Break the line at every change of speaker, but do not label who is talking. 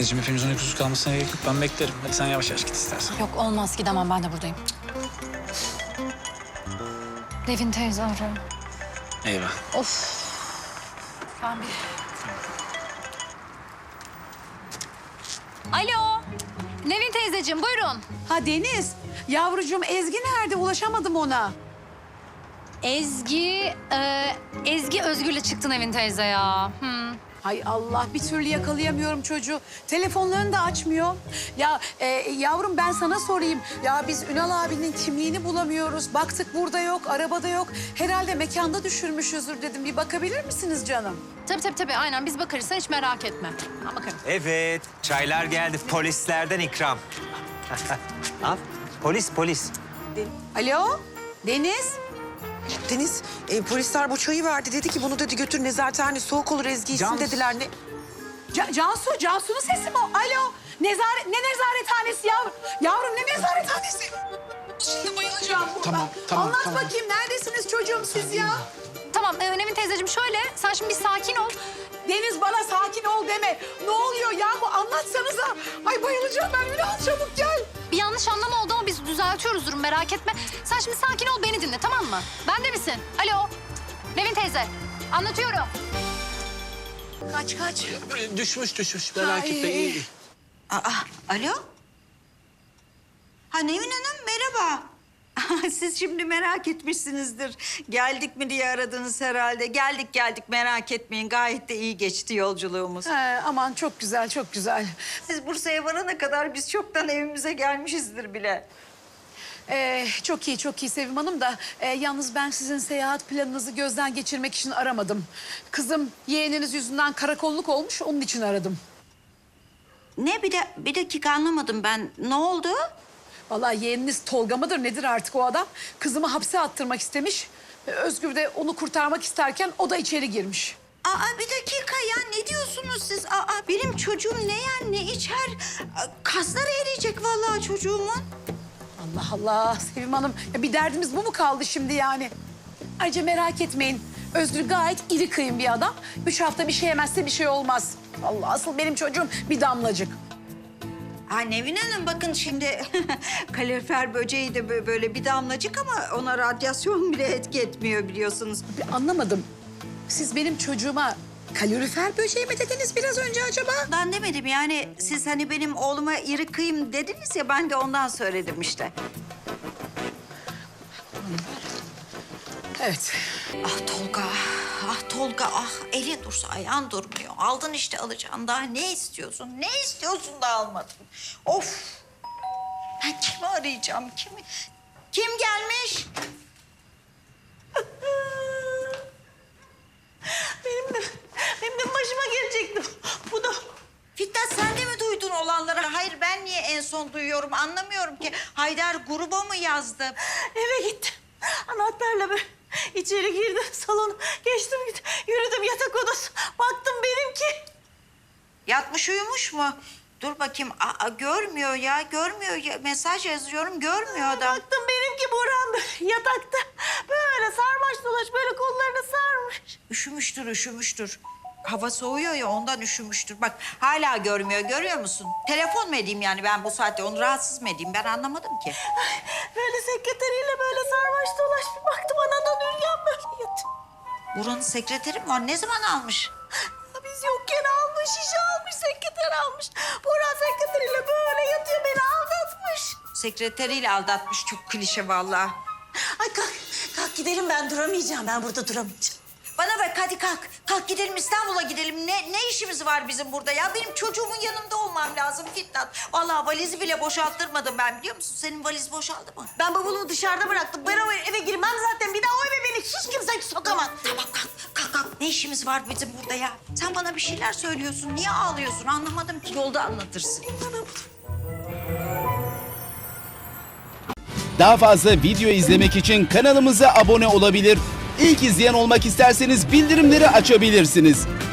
Anneciğim hepimizin uykusuz kalmasına gerek yok. Ben beklerim. Hadi sen yavaş yavaş git istersen.
Yok olmaz gidemem ben de buradayım. Nevin teyze arıyor.
Eyvah.
Of. Ben bir... Alo. Nevin teyzeciğim buyurun.
Ha Deniz, yavrucuğum Ezgi nerede? Ulaşamadım ona.
Ezgi Özgür'le çıktı Nevin teyze ya.
Hay Allah, bir türlü yakalayamıyorum çocuğu. Telefonlarını da açmıyor. Ya yavrum ben sana sorayım. Ya biz Ünal abinin kimliğini bulamıyoruz. Baktık burada yok, arabada yok. Herhalde mekanda düşürmüşüzdür dedim. Bir bakabilir misiniz canım?
Tabii aynen biz bakarız sen hiç merak etme. Ben bakarım.
Evet, çaylar geldi. Polislerden ikram. Al, polis.
Alo, Deniz.
Deniz, polisler bu çayı verdi. Dedi ki bunu dedi götür nezarethane soğuk olur Ezgi içsin dediler. Ne?
Cansu'nun sesi mi o? Alo, ne nezarethanesi yavrum? Yavrum ne nezarethanesi? Şimdi bayılacağım burada.
Tamam,
Anlat
tamam.
bakayım, neredesiniz çocuğum siz ya?
Tamam Nevin teyzeciğim şöyle sen şimdi bir sakin ol.
Deniz bana sakin ol deme. Ne oluyor yahu anlatsanıza. Ay bayılacağım ben Ünal çabuk gel.
Bir yanlış anlama oldu ama biz düzeltiyoruz durum merak etme. Sen şimdi sakin ol beni dinle tamam mı? Bende misin? Alo. Nevin teyze. Anlatıyorum.
Kaç.
Düşmüş. Merak
Ay.
etme iyi.
Alo? Ha Nevin Hanım merhaba. Siz şimdi merak etmişsinizdir. Geldik mi diye aradınız herhalde. Geldik merak etmeyin. Gayet de iyi geçti yolculuğumuz.
Aman çok güzel çok güzel.
Siz Bursa'ya varana kadar biz çoktan evimize gelmişizdir bile.
Çok iyi Sevim Hanım da yalnız ben sizin seyahat planınızı gözden geçirmek için aramadım. Kızım yeğeniniz yüzünden karakolluk olmuş onun için aradım.
Ne bir dakika anlamadım ben. Ne oldu?
Vallahi yeğeniniz Tolga mıdır nedir artık o adam? Kızımı hapse attırmak istemiş. Özgür de onu kurtarmak isterken o da içeri girmiş.
Bir dakika ya ne diyorsunuz siz? Benim çocuğum ne yer ne içer? Kasları eriyecek vallahi çocuğumun.
Allah Sevim Hanım ya bir derdimiz bu mu kaldı şimdi yani? Ayrıca merak etmeyin. Özgür gayet iri kıyım bir adam. 3 hafta bir şey yemezse bir şey olmaz. Allah asıl benim çocuğum bir damlacık.
Nevin Hanım bakın şimdi kalorifer böceği de böyle bir damlacık ama ona radyasyon bile etki etmiyor biliyorsunuz.
Anlamadım. Siz benim çocuğuma kalorifer böceği mi dediniz biraz önce acaba?
Ben demedim yani siz hani benim oğluma iri kıyım dediniz ya ben de ondan söyledim işte.
Evet.
Ah Tolga elin dursa ayağın durmuyor. Aldın işte alacağın daha ne istiyorsun? Ne istiyorsun da almadın? Of! Ben kimi arayacağım kimi? Kim gelmiş? benim de başıma gelecekti. Bu da... Fitnat sen de mi duydun olanları? Hayır ben niye en son duyuyorum anlamıyorum ki. Haydar gruba mı yazdı?
Eve gittim. Anahtarla böyle içeri girdim salona. Geçtim yürüdüm yatak odası. Baktım benimki.
Yatmış uyumuş mu? Dur bakayım. Görmüyor ya. Mesaj yazıyorum görmüyor adam.
Baktım benimki Burhan böyle yatakta. Böyle sarmaş dolaş böyle kollarını sarmış.
Üşümüştür. Hava soğuyor ya ondan üşümüştür. Bak hala görmüyor. Görüyor musun? Telefon mu edeyim yani ben bu saatte? Onu rahatsız mı edeyim? Ben anlamadım ki.
Böyle sekreteriyle böyle sarmaş dolaş bir baktım anadan Ürgen böyle yatıyor.
Buranın sekreteri mi var? Ne zaman almış?
Biz yokken almış, şişe almış, sekreter almış. Burhan sekreteriyle böyle yatıyor beni aldatmış.
Sekreteriyle aldatmış. Çok klişe vallahi.
Ay kalk gidelim ben duramayacağım. Ben burada duramayacağım.
Bana bak hadi kalk. Kalk gidelim İstanbul'a gidelim. Ne işimiz var bizim burada ya? Benim çocuğumun yanında olmam lazım Fitnat. Vallahi valizi bile boşalttırmadım ben biliyor musun? Senin valiz boşaldı mı?
Ben bavulumu dışarıda bıraktım. Ben o eve girmem zaten. Bir daha o eve beni hiç kimse sokamaz.
Tamam kalk. Ne işimiz var bizim burada ya? Sen bana bir şeyler söylüyorsun. Niye ağlıyorsun? Anlamadım ki. Yolda anlatırsın.
Daha fazla video izlemek için kanalımıza abone olabilir. İlk izleyen olmak isterseniz bildirimleri açabilirsiniz.